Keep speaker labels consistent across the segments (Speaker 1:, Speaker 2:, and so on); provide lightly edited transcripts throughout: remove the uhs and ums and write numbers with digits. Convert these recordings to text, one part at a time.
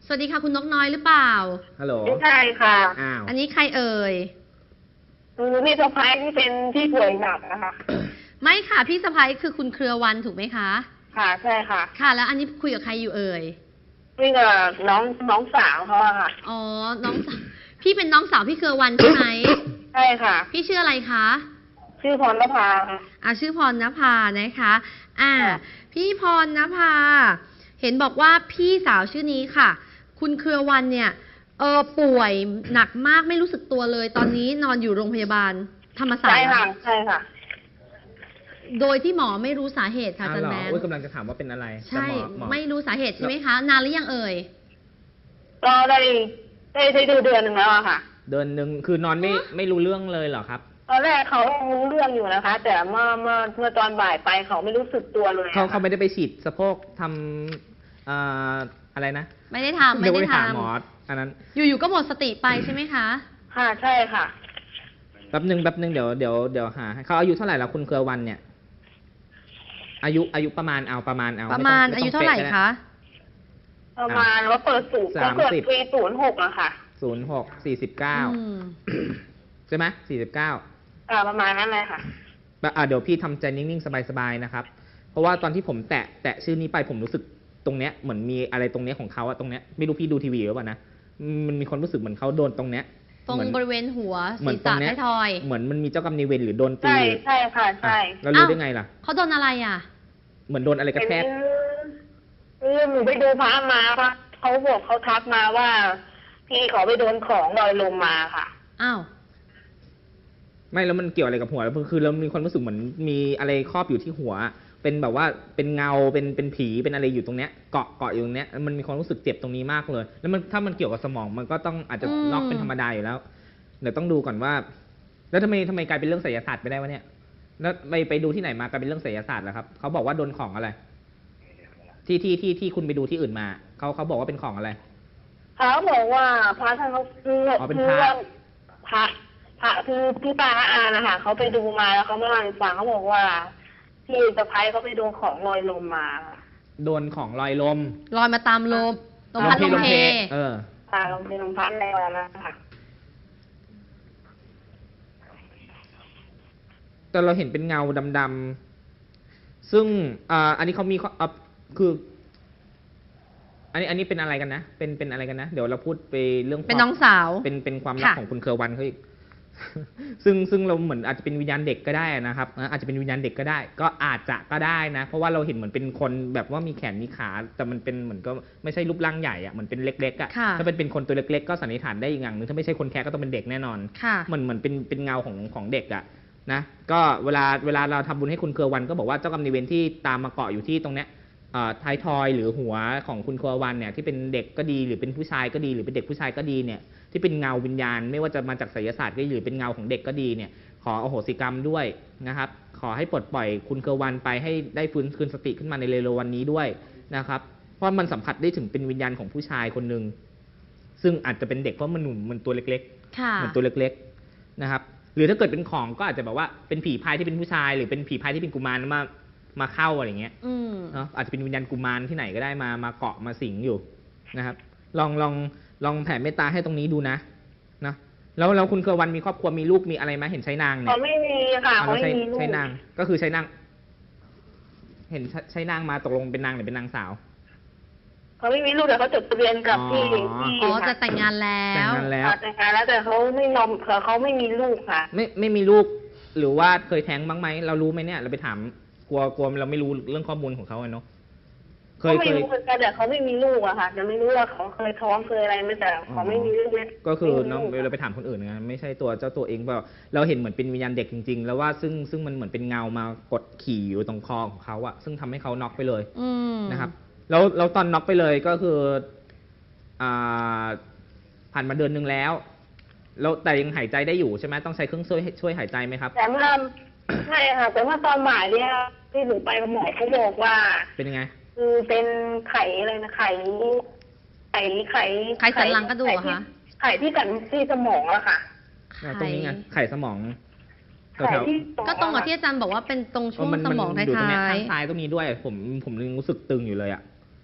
Speaker 1: วัสดีค่ะคุณนกน้อยหรือเปล่า
Speaker 2: ฮัลโหล
Speaker 3: ไม่ใช่ค่ะ
Speaker 2: อ้าว
Speaker 1: อันนี้ใครเอ่ย
Speaker 3: คือพี่สะพ้ายที่เป็นที่ป่วยหนักนะคะ
Speaker 1: ไม่ค่ะพี่สะพ้ายคือคุณเครือวันถูกไหมคะ
Speaker 3: ค่ะใช่ค่ะ
Speaker 1: ค่ะแล้วอันนี้คุยกับใครอยู่เอ่ย
Speaker 3: คุยกับน้องสาวเขาอะค่ะ
Speaker 1: อ๋อน้องสาวพี่เป็นน้องสาวพี่เครือวันใช่ไหม
Speaker 3: ใช่ค่ะ
Speaker 1: พี่ชื่ออะไรคะ
Speaker 3: ชื่อพรณภาค่ะ
Speaker 1: ชื่อพรณภานะคะพี่พรณภาเห็นบอกว่าพี่สาวชื่อนี้ค่ะคุณเครือวันเนี่ยป่วยหนักมากไม่รู้สึกตัวเลยตอนนี้นอนอยู่โรงพยาบาลธรรมศาสตร์
Speaker 3: ใช่ค่ะใช่ค่ะ
Speaker 1: โดยที่หมอไม่รู้สาเหตุค่ะอาจารย์แมน
Speaker 2: กำลังจะถามว่าเป็นอะไร
Speaker 1: ใช่ไม่รู้สาเหตุใช่ไหมคะนานหรือยังเอ่ย
Speaker 3: ก็ได้ดูเดือนหนึ่งแล้วอะค่ะ
Speaker 2: เดือนหนึ่งคือนอนไม่รู้เรื่องเลยเหรอครับ
Speaker 3: ตอนแรกเขารู้เรื่องอยู่นะคะ แต่เมื่อตอนบ่ายไปเขาไม่รู้สึกตัวเลย
Speaker 2: เขาไม่ได้ไปฉีดสะโพกทำอะไรนะ
Speaker 1: ไม่ได้ทำ
Speaker 2: หมออันนั้น
Speaker 1: อยู่ๆก็หมดสติไปใช่ไหมคะ
Speaker 3: ค่ะใช่ค่ะ
Speaker 2: แป๊บนึงเดี๋ยวหาให้เขาอายุเท่าไหร่แล้วคุณเครือวันเนี่ยอายุประมาณอา
Speaker 1: ยุเท่าไหร่คะ
Speaker 3: ประมาณว่าเปิดสูตรก็เกิดปี06อะค่ะ
Speaker 2: 06 49ใช่ไหม49
Speaker 3: ประมาณนั้นเลยค่ะ
Speaker 2: เดี๋ยวพี่ทำใจนิ่งๆสบายๆนะครับเพราะว่าตอนที่ผมแตะชื่อนี้ไปผมรู้สึกตรงเนี้ยเหมือนมีอะไรตรงเนี้ยของเขาอะตรงเนี้ยไม่รู้พี่ดูทีวีหรือเปล่านะมันมีความรู้สึกเหมือนเขาโดนตรงเนี้ย
Speaker 1: ตรงบริเวณหัวศีรษะท้ายทอย
Speaker 2: เหมือนมันมีเจ้ากรรมนายเวรหรือโดนตี
Speaker 3: ใช่ค่ะใช่
Speaker 2: แล้วรู้ได้ไงล่ะ
Speaker 1: เขาโดนอะไรอ่ะ
Speaker 2: เหมือนโดนอะไรกระแทก
Speaker 3: หนูไปดูพระมาค่ะเขาบอกเขาทักมาว่าพี่ขอไปโดนของลอยลมมาค่ะ
Speaker 1: อ้าว
Speaker 2: ไม่แล้วมันเกี่ยวอะไรกับหัวคือเรามีความรู้สึกเหมือนมีอะไรครอบอยู่ที่หัวเป็นแบบว่าเป็นเงาเป็นผีเป็นอะไรอยู่ตรงเนี้ยเกาะอยู่ตรงเนี้ยมันมีความรู้สึกเจ็บตรงนี้มากเลยแล้วมันถ้ามันเกี่ยวกับสมองมันก็ต้องอาจจะน็อกเป็นธรรมดาอยู่แล้วเดี๋ยวต้องดูก่อนว่าแล้วทำไมกลายเป็นเรื่องไสยศาสตร์ไปได้วะเนี่ยแล้วไปดูที่ไหนมากลายเป็นเรื่องไสยศาสตร์เหรอครับเขาบอกว่าโดนของอะไรที่คุณไปดูที่อื่นมาเขาบอกว่าเป็นของอะไร
Speaker 3: เขาบอกว่าพระท่านเขา
Speaker 2: เป็นพระ
Speaker 3: คือพี่ป้าอานะคะเขาไปดูมาแล้วเขามาเล่าให้ฟังเขาบอกว่าพี่สะพ้ายเขาไปโดนของลอยลมมา
Speaker 2: โดนของลอยลม
Speaker 1: ลอยมาตามลมลมพัดลมเพ
Speaker 3: ลมเพลมพัดอะไรแบบนั้นค่ะ
Speaker 2: แต่เราเห็นเป็นเงาดำๆซึ่งอันนี้เขามีคืออันนี้เป็นอะไรกันนะเป็นอะไรกันนะเดี๋ยวเราพูดไปเรื่อง
Speaker 1: เป็นน้องสาว
Speaker 2: เป็นความรักของคุณเครือวันเขาอีกซึ่งเราเหมือนอาจจะเป็นวิญญาณเด็กก็ได้นะครับอาจจะเป็นวิญญาณเด็กก็ได้ก็อาจจะก็ได้นะเพราะว่าเราเห็นเหมือนเป็นคนแบบว่ามีแขนมีขาแต่มันเป็นเหมือนก็ไม่ใช่รูปร่างใหญ่อะเหมือนเป็นเล็กๆอะถ้าเป็นคนตัวเล็กๆก็สันนิษฐานได้อีกอย่างนึงถ้าไม่ใช่คนแค่ก็ต้องเป็นเด็กแน่นอนเหมือนเป็นเงาของเด็กอะนะก็เวลาเราทำบุญให้คุณเครือวันก็บอกว่าเจ้ากรรมนายเวรที่ตามมาเกาะอยู่ที่ตรงเนี้ยท้ายทอยหรือหัวของคุณเครือวันเนี่ยที่เป็นเด็กก็ดีหรือเป็นผู้ชายก็ดีหรือเป็นเด็กผู้ชายก็ดีเนี่ยที่เป็นเงาวิญญาณไม่ว่าจะมาจากไสยศาสตร์ก็หรือเป็นเงาของเด็กก็ดีเนี่ยขออโหสิกรรมด้วยนะครับขอให้ปลดปล่อยคุณเครือวันไปให้ได้ฟื้นคืนสติขึ้นมาในเร็ววันนี้ด้วยนะครับเพราะมันสัมผัสได้ถึงเป็นวิญญาณของผู้ชายคนหนึ่งซึ่งอาจจะเป็นเด็กเพราะมันหนุ่มมันตัวเล็กๆเหมือนตัวเล็กๆนะครับหรือถ้าเกิดเป็นของก็อาจจะแบบว่าเป็นผีพายที่เป็นผู้ชายหรือเป็นผีพายที่เป็นกุมารมาเข้าอะไรเงี้ยเนาะอาจจะเป็นวิญญาณกุมารที่ไหนก็ได้มาเกาะมาสิงอยู่นะครับลองแผ่เมตตาให้ตรงนี้ดูนะแล้วคุณเครือวันมีครอบครัวมีลูกมีอะไรไหมเห็นใช้นางเนี่ย
Speaker 3: เขาไม่มีค่ะเขาไม่มีลูก
Speaker 2: ใช้นางก็คือใช้นางเห็นใช้นางมาตกลงเป็นนางหรือเป็นนางสาว
Speaker 3: เขาไม่มีลูกแต่เขาจดทะเบียนกับที่
Speaker 1: จะแต่งงานแล้ว
Speaker 3: แต่เขาไม่ยอมเขาไม่มีลูกค่ะ
Speaker 2: ไม่มีลูกหรือว่าเคยแท้งบ้างไหมเรารู้ไหมเนี่ยเราไปถามกลัวเราไม่รู้เรื่องข้อมูลของเขาเนาะ
Speaker 3: เขาไม่รู้เหมือนกันแต่เขาไม่มีลูกอะค่ะจะไม่รู้ว่าเขาเคยท้องเคยอะไรไม่แต่เขาไม่มีลูกเลย
Speaker 2: ก็คือน้องเราไปถามคนอื่นไงไม่ใช่เจ้าตัวเองเปล่าเราเห็นเหมือนเป็นวิญญาณเด็กจริงๆแล้วว่าซึ่งมันเหมือนเป็นเงามากดขี่อยู่ตรงคอของเขาอะซึ่งทำให้เขาน็อกไปเลยนะครับแล้วตอนน็อกไปเลยก็คือผ่านมาเดือนนึงแล้วแต่ยังหายใจได้อยู่ใช่ไหมต้องใช้เครื่องช่วยหายใจไหมครับ
Speaker 3: แต่เมื่อใช่ค่ะแต่เมื่อตอนบ่ายเนี่ยที่หนูไปกับหมอเขาบอกว่า
Speaker 2: เป็นยังไง
Speaker 3: คือเป็นไข่อะไรนะไข่
Speaker 1: สันหลังกระดูกคะ
Speaker 3: ไข่ที่กันที่สมองอะค่ะ
Speaker 2: ตรงนี้ไงไข่สมอง
Speaker 1: ก็ตรงกับที่อาจารย์บอกว่าเป็นตรงช่วงสมองท้าย
Speaker 2: อยู่ตรงนี้ข้างซ้ายตรงนี้ด้วยผมรู้สึกตึงอยู่เลยอะ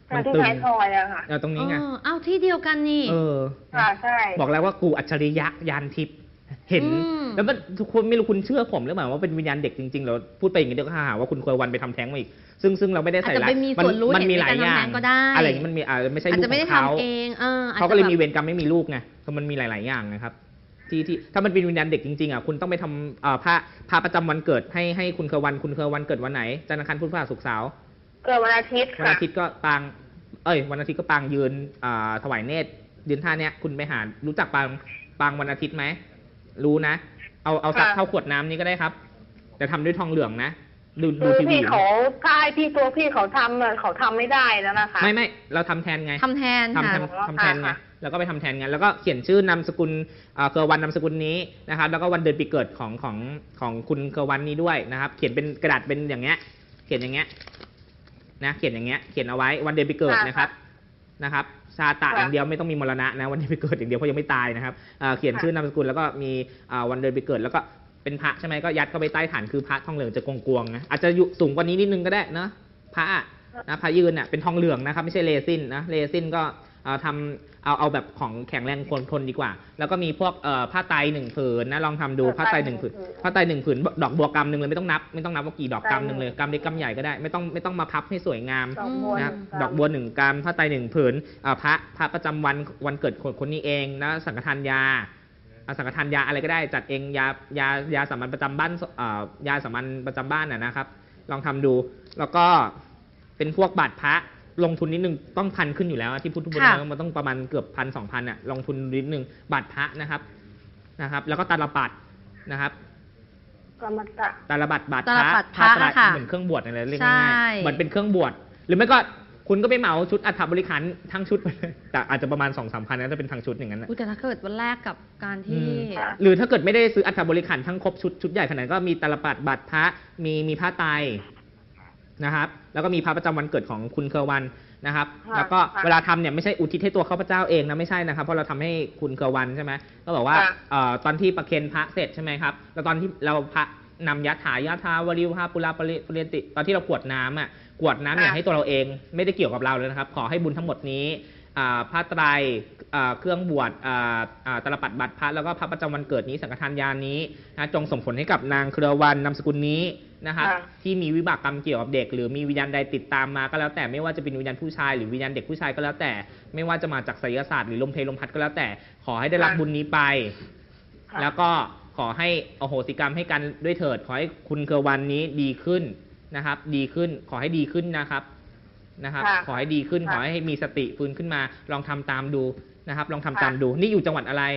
Speaker 2: มัน
Speaker 3: ที่
Speaker 2: ตึง
Speaker 3: ท้ายทอยอะค่ะ
Speaker 2: ตรงนี้ไง
Speaker 1: เอ้าที่เดียวกันนี่
Speaker 3: ค่ะใช่
Speaker 2: บอกแล้วว่ากูอัจฉริยะยานทิพย์เห็น แล้วมันทุกคนไม่รู้คุณเชื่อผมหรือเปล่าว่าเป็นวิญญาณเด็กจริงๆแล้วพูดไปอย่างนี้เดี๋ยวก็หาว่าคุณเคยวันไปทำแท้งมาอีกซึ่งเราไม่ได้
Speaker 1: อาจ
Speaker 2: ใส่
Speaker 1: จะ
Speaker 2: ร้า
Speaker 1: ไป
Speaker 2: ย
Speaker 1: มีส่วนรู้
Speaker 2: มัน
Speaker 1: เห็น
Speaker 2: มี
Speaker 1: ใน
Speaker 2: หลา
Speaker 1: การ
Speaker 2: ยอย่า
Speaker 1: ทำแท้
Speaker 2: ง
Speaker 1: งก็ได้
Speaker 2: อะไรอย่างนี้มันมีไม่ใช่
Speaker 1: อาจ
Speaker 2: ลูก
Speaker 1: จะไม่ได้
Speaker 2: ของเขา
Speaker 1: ทำเองอาจ
Speaker 2: เขา
Speaker 1: จะ
Speaker 2: ก็เลย
Speaker 1: แบบ
Speaker 2: มีเวรกรรมไม่มีลูกไงเพราะมันมีหลาย ๆ อย่างนะครับที่ถ้ามันเป็นวิญญาณเด็กจริงๆคุณต้องไปทำพระประจำวันเกิดให้คุณเคยวันเกิดวันไหนจันทร์อังคารพุธพฤหัสศุกร์เสาร์
Speaker 3: เกิดวันอาทิตย์
Speaker 2: วัน
Speaker 3: ค่ะ
Speaker 2: อาทิตย์ก็ปางวันอาทิตย์ก็ปางยืนถวายเนตรยืนท่าเนี้ยคุณไปหารู้จักปางวันอาทิตย์ไหมรู้นะเอาสักเท่าขวดน้ำนี้ก็ได้ครับแต่ทำด้วยทองเหลืองนะดู
Speaker 3: คือ
Speaker 2: ทีวี
Speaker 3: พี่เขาใช่พี่ตัวพี่เขาทำเขาทำไม่ได้แล้วนะคะ
Speaker 2: ไม่เราทำแทนไง
Speaker 1: ทำแทนค่ะ
Speaker 2: ทำแทนไงแล้วก็ไปทำแทนไงแล้วก็เขียนชื่อนามสกุลเคอร์วันนามสกุลนี้นะครับแล้วก็วันเดือนปีเกิดของคุณเคอร์วันนี้ด้วยนะครับเขียนเป็นกระดาษเป็นอย่างเงี้ยเขียนอย่างเงี้ยนะเขียนอย่างเงี้ยเขียนเอาไว้วันเดือนปีเกิดนะครับชาตะอย่างเดียวไม่ต้องมีมรณะนะวันเดือนปีเกิดอย่างเดียวเพราะยังไม่ตายนะครับเขียนชื่อนามสกุลแล้วก็มีวันเดือนปีเกิดแล้วก็เป็นพระใช่ไหมก็ยัดเข้าไปใต้ฐานคือพระทองเหลืองจะกวงๆนะอาจจะอยู่สูงกว่านี้นิดนึงก็ได้นะพระนะพระยืนเป็นทองเหลืองนะครับไม่ใช่เรซินนะเรซินก็ทำเอาแบบของแข็งแรงทนดีกว่าแล้วก็มีพวกผ้าไตร1 ผืนนะลองทำดูผ้าไตร1 ผืนผ้าไตร1 ผืนดอกบัวกำหนึ่งเลยไม่ต้องนับว่ากี่ดอกกำหนึ่งเลยกำเล็กกำใหญ่ก็ได้ไม่ต้องมาพับให้สวยงามนะดอกบัว1 กำผ้าไตร1 ผืนพระประจำวันเกิดคนนี้เองนะสังฆทานยาสังฆทานยาอะไรก็ได้จัดเองยาสามัญประจำบ้านยาสามัญประจำบ้านนะครับลองทำดูแล้วก็เป็นพวกบาทพระลงทุนนิดนึงต้อง1,000ขึ้นอยู่แล้วที่พุทธบุญมันต้องประมาณเกือบ1,000-2,000ลงทุนนิดนึงบาทพระนะครับแล้วก็ตาลปัดนะครับตาลปัดบาทพระเหมือนเครื่องบวชอะไรเรียกง่ายๆเหมือนเป็นเครื่องบวชหรือไม่ก็คุณก็ไปเหมาชุดอัฐบริขารทั้งชุดไปเลยแต่อาจจะประมาณ 2-3 พันนะถ้าเป็นทั้งชุดอย่างนั้นนะ
Speaker 1: แต่ถ้าเกิดวันแรกกับการที่
Speaker 2: หรือถ้าเกิดไม่ได้ซื้ออัฐบริขารทั้งครบชุดใหญ่ขนาดก็มีตาลปัดบาทพระมีผ้าไตรนะครับแล้วก็มีพระประจำวันเกิดของคุณเคอร์วันนะครับแล้วก็เวลาทำเนี่ยไม่ใช่อุทิศให้ตัวข้าพเจ้าเองนะไม่ใช่นะครับเพราะเราทำให้คุณเคอร์วันใช่ไหมก็บอกว่าตอนที่ประเคนพระเสร็จใช่ไหมครับแล้วตอนที่เราพระนำยะถาวริวหาปุราปริยติตอนที่เรากรวดน้ำกรวดน้ำเนี่ยให้ตัวเราเองไม่ได้เกี่ยวกับเราเลยนะครับขอให้บุญทั้งหมดนี้ผ้าไตรเครื่องบวชตาลปัดบาทพระแล้วก็พระประจำวันเกิดนี้สังฆทานยานี้นะจงส่งผลให้กับนางเครือวันนามสกุลนี้นะครับที่มีวิบากกรรมเกี่ยวกับเด็กหรือมีวิญญาณใดติดตามมาก็แล้วแต่ไม่ว่าจะเป็นวิญญาณผู้ชายหรือวิญญาณเด็กผู้ชายก็แล้วแต่ไม่ว่าจะมาจากไสยศาสตร์หรือลมเพลลมพัดก็แล้วแต่ขอให้ได้รับบุญนี้ไปแล้วก็ขอให้อโหสิกรรมให้กันด้วยเถิดขอให้คุณเครือวันนี้ดีขึ้นนะครับดีขึ้นขอให้ดีขึ้นนะครับขอให้ดีขึ้นขอให้มีสติฟื้นขึ้นมาลองทำตามดูนะครับลองทำตามดูนี่อยู่จังหวัดอะไร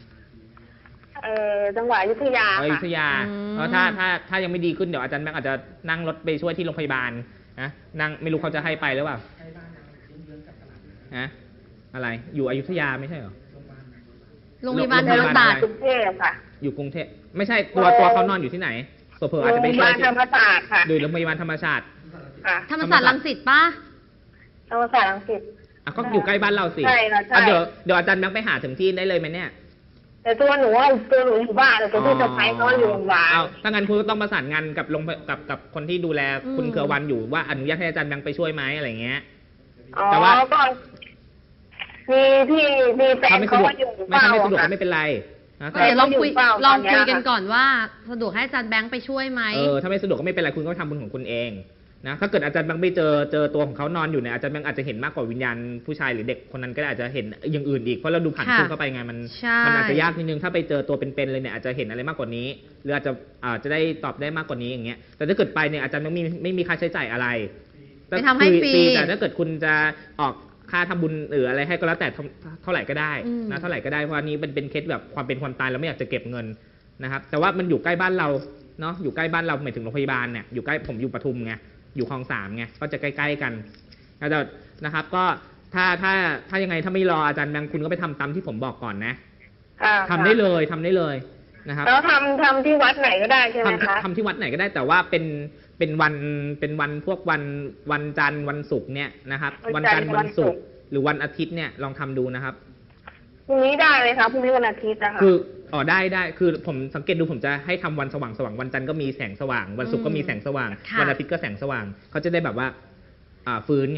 Speaker 3: จังหวัดอยุธยา
Speaker 2: อยุธยาเพราะถ้ายังไม่ดีขึ้นเดี๋ยวอาจารย์แบงค์อาจจะนั่งรถไปช่วยที่โรงพยาบาลนะนั่งไม่รู้เขาจะให้ไปหรือเปล่าอะไรอยู่อยุธยาไม่ใช่เหรอ
Speaker 1: โรงพยาบาลธรรมศาสตร์
Speaker 3: กรุงเทพค่ะ
Speaker 2: อยู่กรุงเทพไม่ใช่ตัวเขานอนอยู่ที่ไหนเผื่ออาจจะไปช่วยที่
Speaker 3: ธรรมศาสตร์ค่ะ
Speaker 2: หรือโรงพยาบาลธรรมศาสตร์
Speaker 1: ธรรมศาสตร์รังสิตป่ะ
Speaker 3: ธรรมศาสตร์รังสิต
Speaker 2: ก็อยู่ใกล้บ้านเราสิ
Speaker 3: ใช่
Speaker 2: เดี๋ยวอาจารย์แบงค์ไปหาถึงที่ได้เลยไหมเนี่ย
Speaker 3: แต่ตัวหนูอยู่บ้านแต่ตัวพี่สะใภ้เขาอยู่โรงพยาบาล
Speaker 2: ถ้างั้นคุณก็ต้องประสานงานกับคนที่ดูแลคุณเครือวันอยู่ว่าอนุญาตให้อาจารย์แบงค์ไปช่วยไหมอะไรเงี้ย
Speaker 3: แต่ว่าก็มีแฟนเขาอยู่
Speaker 2: ไม่ถ้าไม่สะดวกก็ไม่เป็นไร
Speaker 1: เดี๋ยวลองคุยกันก่อนว่าสะดวกให้อาจารย์แบงค์ไปช่วยไหม
Speaker 2: ถ้าไม่สะดวกก็ไม่เป็นไรคุณก็ทำบุญของคุณเองนะถ้าเกิดอาจารย์แบงค์ไม่เจอตัวของเขานอนอยู่เนี่ยอาจารย์แบงค์อาจจะเห็นมากกว่าวิญญาณผู้ชายหรือเด็กคนนั้นก็อาจจะเห็นอย่างอื่นอีกเพราะเราดูผ่านคลิปเข้าไปไงมันอาจจะยากนิดนึงถ้าไปเจอตัวเป็นๆเลยเนี่ยอาจจะเห็นอะไรมากกว่านี้หรืออาจจะได้ตอบได้มากกว่านี้อย่างเงี้ยแต่ถ้าเกิดไปเนี่ยอาจารย์ไม่มีค่าใช้จ่ายอะไร
Speaker 1: ไปทำให้ฟรี
Speaker 2: แต่ถ้าเกิดคุณจะออกค่าทำบุญหรืออะไรให้ก็แล้วแต่เท่าไหร่ก็ได้นะเท่าไหร่ก็ได้เพราะอันนี้เป็นเคสแบบความเป็นความตายเราไม่อยากจะเก็บเงินนะครับแต่ว่ามันอยู่ใกล้บ้านเราเนาะอยู่ใกล้บ้านเราหมายถึงโรงพยาบาลเนี่ยอยู่ใกล้ผมอยู่ปทุมไงอยู่คลอง3ไงก็จะใกล้ๆกันนะครับก็ถ้ายังไงถ้าไม่รออาจารย์แบงค์คุณก็ไปทำตามที่ผมบอกก่อนนะทำได้เลยนะครับ
Speaker 3: แล้วทำที่วัดไหนก็ได้ใช่ไหมคะ
Speaker 2: ทำที่วัดไหนก็ได้แต่ว่าเป็นวันพวกวันจันทร์วันศุกร์เนี่ยนะครับวันจันทร์วันศุกร์หรือวันอาทิตย์เนี่ยลองทำดูนะครับ
Speaker 3: พรุ่งนี้ได้เลยครับพรุ่งนี้วันอาทิตย์นะคะ
Speaker 2: คือได้คือผมสังเกตดูผมจะให้ทำวันสว่างวันจันทร์ก็มีแสงสว่างวันศุกร์ก็มีแสงสว่างวันอาทิตย์ก็แสงสว่างเขาจะได้แบบว่าฟื้นไงเข้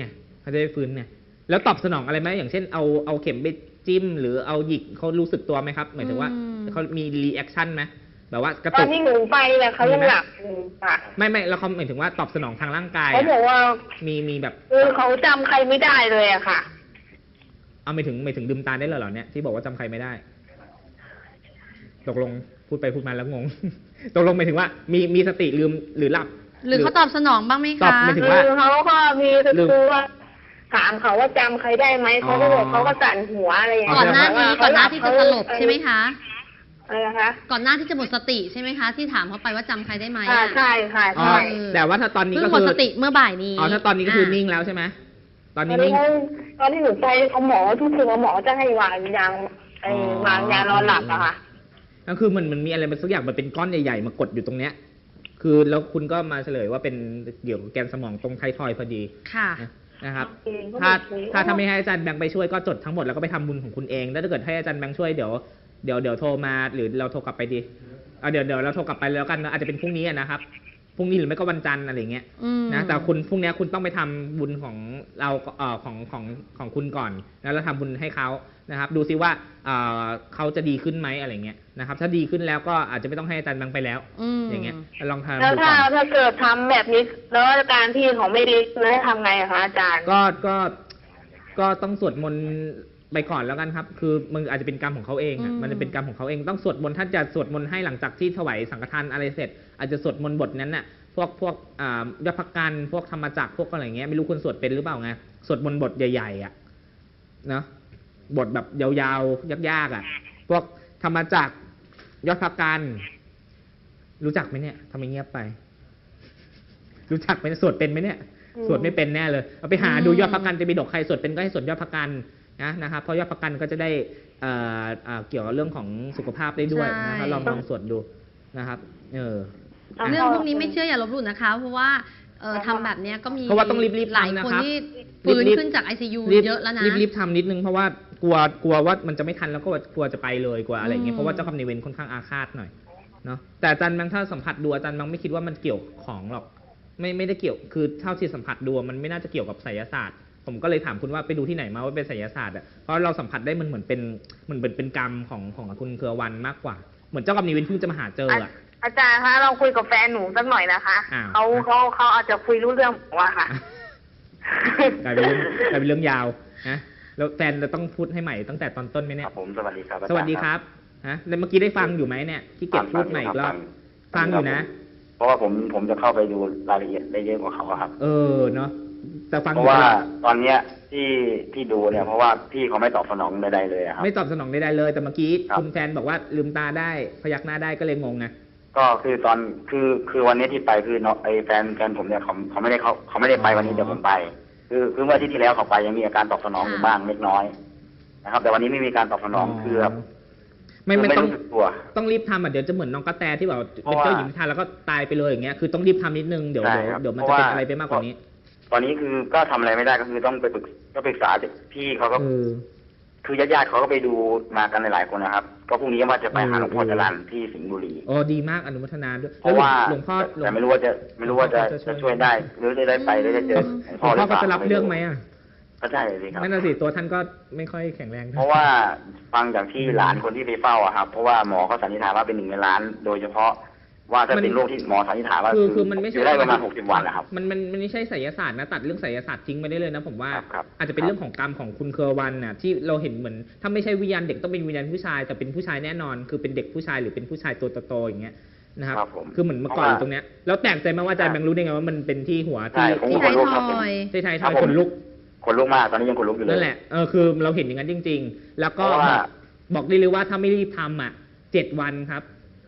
Speaker 2: เขาจะได้ฟื้นไงแล้วตอบสนองอะไรไหมอย่างเช่นเอาเข็มไปจิ้มหรือเอาหยิกเขารู้สึกตัวไหมครับหมายถึงว่าเขามีรีแอคชั่นไหมแบบว่ากระ
Speaker 3: ตอ
Speaker 2: ตุ
Speaker 3: น
Speaker 2: ก
Speaker 3: ที่หนูไปเนี่ยเขายังหลับอยู่ค่ะ
Speaker 2: ไม่แล้วเขาหมายถึงว่าตอบสนองทางร่างกาย
Speaker 3: เขาบอกว่า
Speaker 2: มีแบบ
Speaker 3: เขาจำใครไม่ได้เลยอะค่ะ
Speaker 2: เอาไม่ถึงลืมตาได้เลยเหรอเนี่ยที่บอกว่าจำใครไม่ได้ ตกลงพูดไปพูดมาแล้วง ง ตกลงหมายถึงว่ามีสติลืมหรือหลับ
Speaker 1: หรือเขาตอบสนองบ้างไหม
Speaker 2: ตอบ
Speaker 1: คะ
Speaker 2: หมายถึง
Speaker 3: คือเขาก็มีคือว่าถามเขาว่าจำใครได้ไหมเขาก็บอกเขาก็สั่นหัวอะไรอย่าง
Speaker 1: ก่
Speaker 3: เงี้
Speaker 1: อนหน้านี้ก่อนหน้าที่จะสลบใช่ไหมคะ
Speaker 3: อะไรนะคะ
Speaker 1: ก่อนหน้าที่จะหมดสติใช่ไหมคะ ที่ถามเขาไปว่าจำใครได้ไหม
Speaker 3: ใช่ค่ะ
Speaker 2: อ๋อ
Speaker 3: ใช่
Speaker 2: แต่ว่าถ้าตอนนี้
Speaker 1: เพิ่
Speaker 2: ก็
Speaker 1: งหม
Speaker 2: คื
Speaker 1: ด
Speaker 2: อ
Speaker 1: สติเมื่อบ่ายนี้
Speaker 2: อ๋อถ้าตอนนี้ก็คือนิ่งแล้วใช่ไหมตอน
Speaker 3: ต
Speaker 2: นี้
Speaker 3: อนนี้
Speaker 2: นิ่ง
Speaker 3: ตอนที่หนูไปเขาหมอทุกคืนหมอจะให้วางยางวางยานอนหลับอะค่ะ
Speaker 2: ก็คือมันมีอะไรมันสักอย่างมันเป็นก้อนใหญ่ๆมากดอยู่ตรงเนี้ย คือแล้วคุณก็มาเฉลยว่าเป็นเกี่ยวกับแกนสมองตรงไททอยด์พอดี
Speaker 1: ค่ะ
Speaker 2: นะครับ
Speaker 3: โอเคก็
Speaker 2: ถ้าไม่ให้อาจารย์แบงค์ไปช่วยก็จดทั้งหมดแล้วก็ไปทำบุญของคุณเองแล้วถ้าเกิดให้อาจารย์แบงค์ช่วยเดี๋ยวโทรมาหรือเราโทรกลับไปดีเดี๋ยวเราโทรกลับไปแล้วกันนะอาจจะเป็นพรุ่งนี้นะครับพรุ่งนี้หรือไม่ก็วันจันทร์อะไรเงี้ย นะแต่คุณพรุ่งนี้คุณต้องไปทำบุญของเราของคุณก่อนแล้วเราทำบุญให้เขานะครับ ดูซิว่าเขาจะดีขึ้นไหมอะไรเงี้ยนะครับ ถ้าดีขึ้นแล้วก็อาจจะไม่ต้องให้อาจารย์แบงค์ไปแล้วอย่างเงี้ยลองทำ
Speaker 3: แล้ว
Speaker 2: ดูก่อน
Speaker 3: ถ้าเกิดทำแบบนี้แล้วอาการที่เขาไม่ดีแล้วทำไงอะคะอาจารย์
Speaker 2: ก็ต้องสวดมนต์ไปก่อนแล้วกันครับ คือมันอาจจะเป็นกรรมของเขาเองอะมันจะเป็นกรรมของเขาเองต้องสวดมนต์ท่านจะสวดมนต์ให้หลังจากที่ถวายสังฆทานอะไรเสร็จ อาจจะสวดมนต์บทนั้นน่ะพวกยอดพักกันพวกธรรมจักรพวกอะไรเงี้ยไม่รู้คุณสวดเป็นหรือเปล่าไงสวดมนต์บทใหญ่ๆอ่ะเนาะบทแบบยาวๆยากๆอ่ะพวกธรรมจักรยอดพักกันรู้จักไหมเนี่ยทำไมเงียบไป รู้จักไหมสวดเป็นไหมเนี่ยสวดไม่เป็นแน่เลยเอาไปหาดูยอดพักกันจะมีดอกใครสวดเป็นก็ให้สวดยอดพักกันนะครับเพราะยอดพักกันก็จะได้เกี่ยวกับเรื่องของสุขภาพได้ด้วยนะครับลองสวดดูนะครับ
Speaker 1: เรื่องพวกนี้ไม่เชื่ออย่าลบหลู่นะคะ เพราะว่าทำแบบเนี้ยก็มี
Speaker 2: เพราะว่าต้องรีบๆ
Speaker 1: หลาย
Speaker 2: ทำนะ
Speaker 1: คน
Speaker 2: ครับ
Speaker 1: ที่ฟื้น
Speaker 2: รีบๆ
Speaker 1: ขึ้นจาก ICU เยอะแล้วนะ
Speaker 2: รีบทำนิดนึงเพราะว่ากลัวว่ามันจะไม่ทันแล้วก็กลัวจะไปเลยกลัวอะไรอย่างเงี้ยเพราะว่าเจ้ากรรมนายเวรค่อนข้างอาฆาตหน่อยเนาะแต่อาจารย์บางถ้าสัมผัสดูอาจารย์บางไม่คิดว่ามันเกี่ยวของหรอกไม่ได้เกี่ยวคือเท่าที่สัมผัสดูมันไม่น่าจะเกี่ยวกับไสยศาสตร์ผมก็เลยถามคุณว่าไปดูที่ไหนมาว่าเป็นไสยศาสตร์อ่ะเพราะเราสัมผัสได้มันเหมือนเป็นกรรมของคุณเครือวันมากกว่าเหมือนเจ้ากรรมนายเวรเพิ่งจะมาหาเจออ่ะ
Speaker 3: อาจารย์คะลองคุยกับแฟนหนูสักหน่อยนะคะ
Speaker 2: อ้าว
Speaker 3: เขาอาจจะคุยรู้เรื่องผมว่าค่ะ
Speaker 2: กลายเป็นเรื่องยาวนะแล้วแฟนเราต้องพูดให้ใหม่ตั้งแต่ตอนต้นไหมเนี่ย
Speaker 4: ครับผมสวัสดีครับอาจารย์
Speaker 2: สวัสดีครับฮะแล้วเมื่อกี้ได้ฟังอยู่ไหมเนี่ยที่เก็บพูดใหม่อีกรอบฟังอยู่นะ
Speaker 4: เพราะว่าผมจะเข้าไปดูรายละเอียดได้เยอะกว่าเขาอะครับ
Speaker 2: เนาะแต่ฟัง
Speaker 4: เพราะว่าตอนเนี้ยที่ดูเนี่ยเพราะว่าพี่เขาไม่ตอบสนองใดๆเลยอะครับ
Speaker 2: ไม่ตอบสนองใดๆเลยแต่เมื่อกี้
Speaker 4: ครับ
Speaker 2: คุณแฟนบอกว่าลืมตาได้พยักหน้าได้ก็เลยงงไง
Speaker 4: ก็คือตอนคือวันนี้ที่ไปคือไอ้แฟนผมเนี่ยเขาไม่ได้ไปวันนี้แต่ผมไป คือเมื่ออาที่แล้วเขาไปยังมีอาการตอบสนองอยู่บ้างเล็กน้อยนะครับ แต่วันนี้ไม่มีการตอบสนองคือแบบ
Speaker 2: ไม่ต้อง
Speaker 4: รู้สึกตัว
Speaker 2: ต้องรีบทำอ่ะเดี๋ยวจะเหมือนน้องกระแตที่แบบ
Speaker 4: เพ
Speaker 2: เป็น
Speaker 4: ราะว่า
Speaker 2: เจ้าหญิงนิทานแล้วก็ตายไปเลยอย่างเงี้ยคือต้องรีบทำนิดนึงเดี๋ยว
Speaker 4: ใช่ครับ
Speaker 2: มันจะเป็นอะไรไปมากกว่านี้
Speaker 4: ตอนนี้คือก็ทำอะไรไม่ได้ก็คือต้องไปปรึกษาพี่เขาก็ คือญาติๆเขาก็ไปดูมากันหลายๆคนนะครับ ก็พรุ่งนี้ว่าจะไปหาหลวงพ่อจรัญที่สิงห์บุรี
Speaker 2: อ๋อดีมากอนุโมทนาด้วย
Speaker 4: เพราะว่า
Speaker 2: หลวงพ่อ
Speaker 4: แต่ไม่รู้ว่าจะช่วยได้หรือจะได้ไปหรือจะเจอ
Speaker 2: หลวงพ่อก็จะรับเรื่องไหมอ่ะ
Speaker 4: ก็ใช่สิครับ
Speaker 2: นั่นน่ะสิตัวท่านก็ไม่ค่อยแข็งแรง
Speaker 4: เพราะว่าฟังจากที่หลานคนที่ไปเฝ้าอะครับ เพราะว่าหมอเขาสันนิษฐานว่าเป็น1 ในล้าน โดยเฉพาะว่าถ้าเป็นโรคที่หมอสันนิษฐานว่า
Speaker 2: คือมันไม่ใช่
Speaker 4: อยู่ได้ประมาณ60 วันนะครับ
Speaker 2: มันไม่ใช่ไสยศาสตร์นะตัดเรื่องไสยศาสตร์ทิ้งไปได้เลยนะผมว่า
Speaker 4: ครับ
Speaker 2: อาจจะเป็นเรื่องของกรรมของคุณเครือวันน่ะที่เราเห็นเหมือนถ้าไม่ใช่วิญญาณเด็กต้องเป็นวิญญาณผู้ชายแต่เป็นผู้ชายแน่นอน คือเป็นเด็กผู้ชายหรือเป็นผู้ชายตัวโตๆอย่างเงี้ยนะครับ
Speaker 4: ครับผม
Speaker 2: คือเหมือนเมื่อก่อนอยู่ตรงเนี้ยแล้วแปลกใจมากว่าอาจารย์แบงค์รู้ได้ไงว่ามันเป็นที่หัว
Speaker 4: ใช่
Speaker 2: ที่
Speaker 4: ผม
Speaker 1: ที่
Speaker 4: ก็
Speaker 1: ไท
Speaker 4: ขนลุกครับผม
Speaker 1: ทอย
Speaker 2: ที่ไทย
Speaker 4: ครั
Speaker 2: ท
Speaker 4: บ
Speaker 2: อยขนลุก
Speaker 4: ขนลุกมากตอนนี้ยังขนลุกอยู่เลย
Speaker 2: นั่นแหละคือเราเห็นอย่างนั้นจริง ๆ แล้วก็
Speaker 4: เพราะว่า
Speaker 2: บอกได้เลยว่าถ้าไม่รีบทำอ่ะ7 วันครับ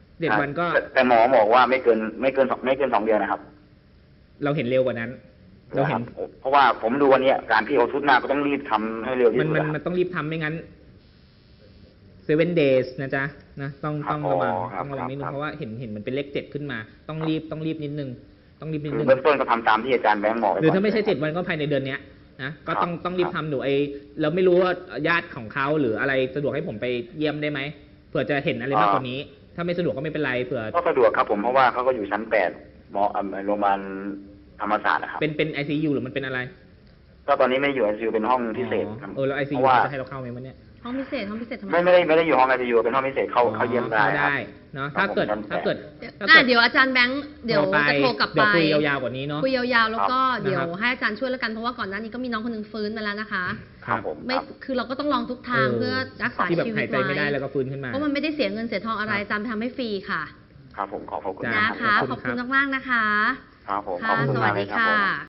Speaker 2: 7 วันก็
Speaker 4: แต่หมอบอกว่าไม่เกิน2 เดือนนะครับ
Speaker 2: เราเห็นเร็วกว่านั้น เราเห็น
Speaker 4: เพราะว่าผมดูวันนี้การที่เอาชุดมาก็ต้องรีบทำให้เร็วที่
Speaker 2: มัน
Speaker 4: สุด
Speaker 2: มัน
Speaker 4: อะ
Speaker 2: มันต้องรีบทำไม่งั้น 7 days นะจ๊ะนะต้อง
Speaker 4: ครับ
Speaker 2: ระวัง
Speaker 4: ครับ
Speaker 2: ต้องระวังนิดนึ
Speaker 4: ครั
Speaker 2: ง
Speaker 4: บ
Speaker 2: เพราะว่าเห็นมันเป็นเลข7ขึ้นมา ต้องรีบนิดนึงต้องรีบนิด
Speaker 4: คือ
Speaker 2: นึง
Speaker 4: เบื้องต้นก็ทำตามที่อาจารย์แบงค์บอก
Speaker 2: หรือถ้าไม่ใช่7 วันก็ภายในเดือนเนี้ยนะก็ต้องรีบทำหนูเราไม่รู้ว่าญาติของเขาหรืออะไรสะดวกให้ผมไปเยี่ยมได้ไหมเผื่อจะเห็นอะไรมากกว่านี้ ถ้าไม่สะดวกก็ไม่เป็นไรเผื่อ
Speaker 4: ก็สะดวกครับผมเพราะว่าเขาก็อยู่ชั้น8หมอโรงพยาบาลธรรมศาสตร์นะครับ
Speaker 2: เป็น ICU หรือมันเป็นอะไร
Speaker 4: ก็ตอนนี้ไม่ได้อยู่ ICU เป็นห้องพิเศษครับ
Speaker 2: แล้วไอซี
Speaker 4: เพ
Speaker 2: ยู
Speaker 4: ราะว่า
Speaker 2: จะให้เราเข้าไหมวันเนี้ย
Speaker 1: ห้องพิเศษทำไม
Speaker 4: ไม่ได้อยู่ห้อง ICU เป็นห้องพิเศษเข้าเยี่ยมได้
Speaker 2: เข้า
Speaker 4: ครับ
Speaker 2: ได้เนาะ
Speaker 4: ครั
Speaker 2: ถ้า
Speaker 4: บ
Speaker 2: เกิด
Speaker 4: ผม
Speaker 2: ถ้าเกิด
Speaker 1: เดี๋ยวอาจารย์แบงค์เดี๋ยวจะโทรกลับ
Speaker 2: เดี๋
Speaker 1: ไป
Speaker 2: ยวคุยยาวๆกว่านี้เนาะ
Speaker 1: คุยยาวๆแล้วก็
Speaker 2: ครับ
Speaker 1: เดี๋ยว
Speaker 2: นะครับ
Speaker 1: ให้อาจารย์ช่วยแล้วกันเพราะว่าก่อนหน้านี้ก็มีน้องคนหนึงฟื้นมาแล้วนะคะ
Speaker 4: ครับผม
Speaker 1: ไม่
Speaker 4: ครับ
Speaker 1: คือเราก็ต้องลองทุกทางเพื่อรักษา
Speaker 2: ที่แบบ
Speaker 1: ชีวิ
Speaker 2: หา
Speaker 1: ต
Speaker 2: ยใจไม่ได้แล้วก็ฟื้นขึ้นมา
Speaker 1: เพราะมันไม่ได้เสียเงินเสียทองอะไร
Speaker 2: ครับ
Speaker 1: อาจารย์ไปทำให้ฟรีค่ะ
Speaker 4: ครับผมขอบคุณ
Speaker 2: จ้า
Speaker 1: นะคะ
Speaker 2: ขอบคุณ
Speaker 1: ขอบคุณมากๆนะคะ
Speaker 4: ครับผมข
Speaker 1: ค่ะ
Speaker 4: อบคุณ
Speaker 1: ส
Speaker 4: มา
Speaker 1: วั
Speaker 4: ก
Speaker 1: ส
Speaker 4: เล
Speaker 1: ดี
Speaker 4: ยครับ
Speaker 1: ค่
Speaker 4: ผม
Speaker 1: ะ